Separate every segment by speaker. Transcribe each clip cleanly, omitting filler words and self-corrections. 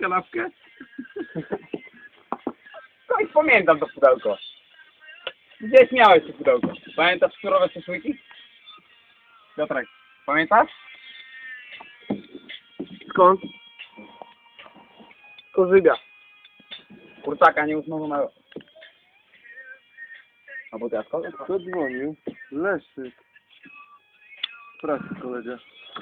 Speaker 1: kanapkę?
Speaker 2: Skąd pamiętam to pudełko? Gdzieś miałeś to pudełko. Pamiętasz surowe szaszłyki? Piotrek, pamiętasz?
Speaker 1: Skąd?
Speaker 2: Korzyga. Kurczaka nieusmażonego. Albo teraz kogo?
Speaker 1: Kto dzwonił? Leszczyk. Pracy kolega.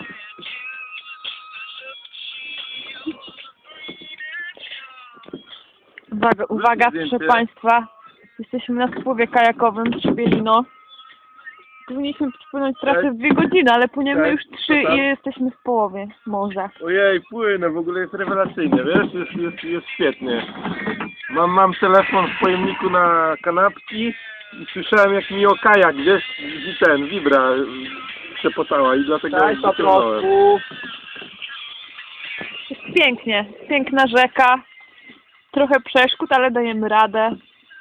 Speaker 3: Uwaga, uwaga, proszę Państwa. Jesteśmy na spływie kajakowym w Szpielino. Powinniśmy płynąć trasę w 2 godziny, ale płyniemy
Speaker 1: Cześć.
Speaker 3: już 3 i jesteśmy w połowie morza.
Speaker 1: Ojej, płynę, w ogóle jest rewelacyjnie, wiesz? Jest świetnie. Mam telefon w pojemniku na kanapki i słyszałem jak mi o kajak, wiesz, i ten wibra przepotała i dlatego
Speaker 2: Cześć, po
Speaker 1: wyciągnąłem.
Speaker 2: prostu.
Speaker 3: Jest pięknie, piękna rzeka. Trochę przeszkód, ale dajemy radę.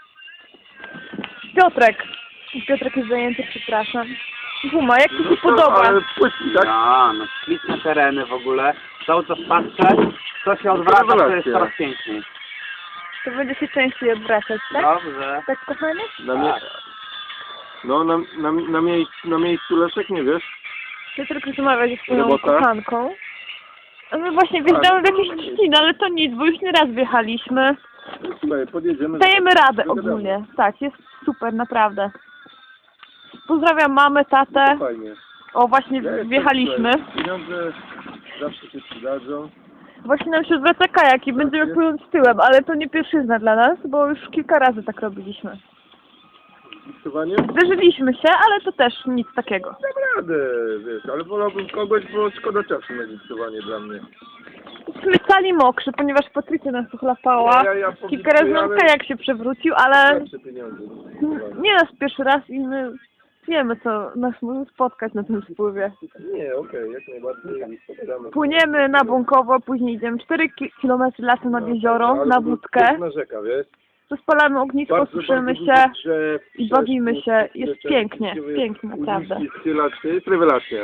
Speaker 3: Piotrek jest zajęty, przepraszam. Guma, jak Ci się podoba?
Speaker 1: Ale płytki, tak?
Speaker 2: Ja, no śliczne tereny w ogóle. Cały czas patrzę, co się odwraca, to jest
Speaker 1: Rewelacja.
Speaker 2: coraz piękniej.
Speaker 3: To będzie się częściej odwracać, tak?
Speaker 2: Dobrze.
Speaker 3: Tak, kochanie?
Speaker 1: No, na miejscu Leszek, nie wiesz?
Speaker 3: Piotrek rozmawia ze swoją
Speaker 1: Robota?
Speaker 3: kochanką. A my właśnie wjeżdżamy w jakieś trzciny, ale to nic, bo już nie raz wjechaliśmy.
Speaker 1: Słuchaj, podjedziemy.
Speaker 3: Dajemy radę
Speaker 1: Dogadamy.
Speaker 3: ogólnie. Tak, jest super, naprawdę. Pozdrawiam mamę, tatę.
Speaker 1: Fajnie.
Speaker 3: O, właśnie
Speaker 1: Ja jestem,
Speaker 3: wjechaliśmy.
Speaker 1: słuchaj, pieniądze zawsze się przydadzą.
Speaker 3: Właśnie nam się zwraca kajak i będziemy płynąć tyłem, ale to nie pierwszyzna dla nas, bo już kilka razy tak robiliśmy.
Speaker 1: Gipsowanie?
Speaker 3: Zderzyliśmy się, ale to też nic takiego.
Speaker 1: Dam radę, wiesz, ale wolałbym kogoś, bo szkoda czasu na gipsowanie dla mnie.
Speaker 3: Jesteśmy cali mokrzy, ponieważ Patrycja nas uchlapała.
Speaker 1: Ja
Speaker 3: Kilka razy nam kajak się przewrócił, ale
Speaker 1: Zawsze pieniądze.
Speaker 3: nie nas pierwszy raz i my wiemy, co nas może spotkać na tym spływie.
Speaker 1: Nie, okej, jak najbardziej spotkamy.
Speaker 3: Płyniemy na Bąkowo, później idziemy 4 km lasem nad jezioro, na wódkę.
Speaker 1: Piękna rzeka, wiesz?
Speaker 3: Rozpalamy ognisko,
Speaker 1: Bardzo
Speaker 3: suszymy
Speaker 1: dużo
Speaker 3: się
Speaker 1: drzew,
Speaker 3: i bawimy się.
Speaker 1: krzewów,
Speaker 3: Jest
Speaker 1: rzeczy,
Speaker 3: pięknie,
Speaker 1: gdzie
Speaker 3: pięknie, naprawdę.
Speaker 1: uliczki, stylacznie, jest rewelacja.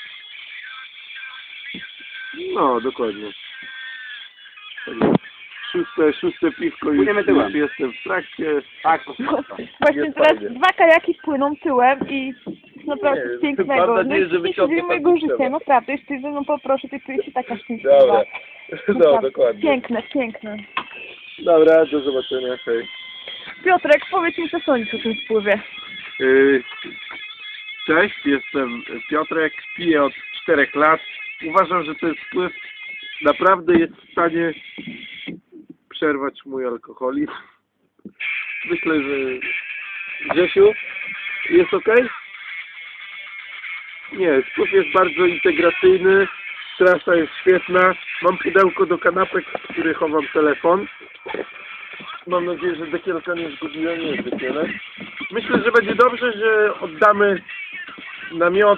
Speaker 1: No, dokładnie. Szóste piwko i
Speaker 2: Płyniemy tyłem.
Speaker 1: już jestem w trakcie.
Speaker 2: Tak,
Speaker 3: Właśnie
Speaker 1: Jest
Speaker 3: teraz
Speaker 1: fajnie.
Speaker 3: 2 kajaki płyną tyłem i jest naprawdę
Speaker 1: Nie,
Speaker 3: pięknego.
Speaker 1: mam nadzieję, że
Speaker 3: Najpiękniejszy
Speaker 1: wyciągnie
Speaker 3: dzień
Speaker 1: pan
Speaker 3: mojego
Speaker 1: drzewa.
Speaker 3: życia, naprawdę. Jeśli ze mną poproszę, to czuję się taka szczęśliwa.
Speaker 1: Dobra, no
Speaker 3: Naprawdę.
Speaker 1: dokładnie.
Speaker 3: Piękne, piękne.
Speaker 1: Dobra, do zobaczenia, hej.
Speaker 3: Piotrek, powiedz mi, co sądzisz o tym spływie.
Speaker 1: Cześć, jestem Piotrek, piję od 4 lat. Uważam, że ten spływ naprawdę jest w stanie przerwać mój alkoholizm. Myślę, że Grzesiu, jest ok? Nie, spływ jest bardzo integracyjny, trasa jest świetna. Mam pudełko do kanapek, w których chowam telefon. Mam nadzieję, że dekielka nie zgubiłem, nie jest dekielek. Myślę, że będzie dobrze, że oddamy namioty,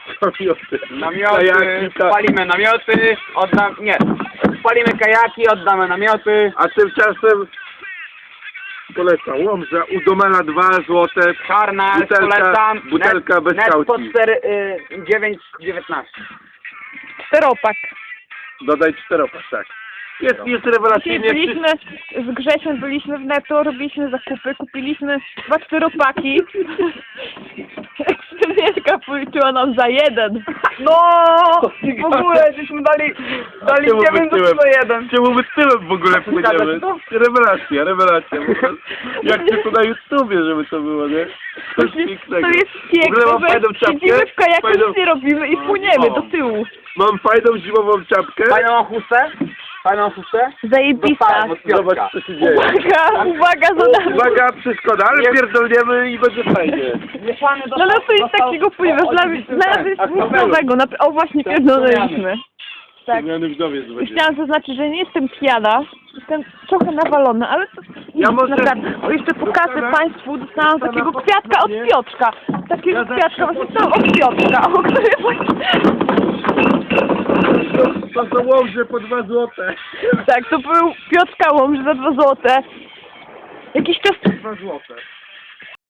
Speaker 1: kajaki,
Speaker 2: spalimy namioty, spalimy kajaki, oddamy namioty.
Speaker 1: a tymczasem polecam Łomża, u Domela 2 złote,
Speaker 2: Czarna, polecam.
Speaker 1: butelka bez
Speaker 2: net po
Speaker 1: kaucji.
Speaker 2: 9,19.
Speaker 3: Steropak.
Speaker 1: Dodaj 4, tak. Jest
Speaker 3: Dzisiaj
Speaker 1: rewelacyjnie.
Speaker 3: byliśmy z Grzesiem, byliśmy w Netto, robiliśmy zakupy, kupiliśmy 2 czteropaki. Ekstremiatka policzyła nam za 1.
Speaker 2: No! W ogóle żeśmy dali
Speaker 1: Czemu
Speaker 2: 9
Speaker 1: bytyłem?
Speaker 2: do 1.
Speaker 1: Czemu my tyłem w ogóle płyniemy? Rewelacja. Jak ty to na YouTubie, żeby to było, nie? Coś pięknego.
Speaker 3: To jest
Speaker 1: W ogóle mam
Speaker 3: piękne,
Speaker 1: fajną
Speaker 3: że
Speaker 1: czapkę.
Speaker 3: siedzimy w kajaku,
Speaker 1: Fajną-
Speaker 3: nic nie robimy i płyniemy do tyłu.
Speaker 1: Mam fajną zimową czapkę.
Speaker 2: Fajną chustę?
Speaker 3: Zajebista.
Speaker 2: Dostałem od Piotrka.
Speaker 1: Zobacz, co się dzieje.
Speaker 3: Uwaga, za nami.
Speaker 1: Uwaga, przeszkoda, ale pierdolniemy i będzie fajnie.
Speaker 3: No to jest takiego, ponieważ dla nas jest nic nowego. O, właśnie pierdoliliśmy. Tak.
Speaker 1: Zmiany wdowiec będzie.
Speaker 3: Chciałam zaznaczyć, że nie jestem pijana. Jestem trochę nawalona, ale to
Speaker 1: Ja może-
Speaker 3: naprawdę. O, jeszcze pokażę
Speaker 1: dostanę-
Speaker 3: Państwu, dostałam
Speaker 1: dostanę
Speaker 3: takiego
Speaker 1: po
Speaker 3: kwiatka od
Speaker 1: spodzie.
Speaker 3: Piotrka. Takiego
Speaker 1: Ja
Speaker 3: kwiatka,
Speaker 1: zawsze
Speaker 3: właśnie dostałam od Piotrka. O którym właśnie...
Speaker 1: To są Łomże po 2 złote.
Speaker 3: Tak, to był Piotrka Łomży za 2 złote. Jakiś czas...
Speaker 1: 2 złote.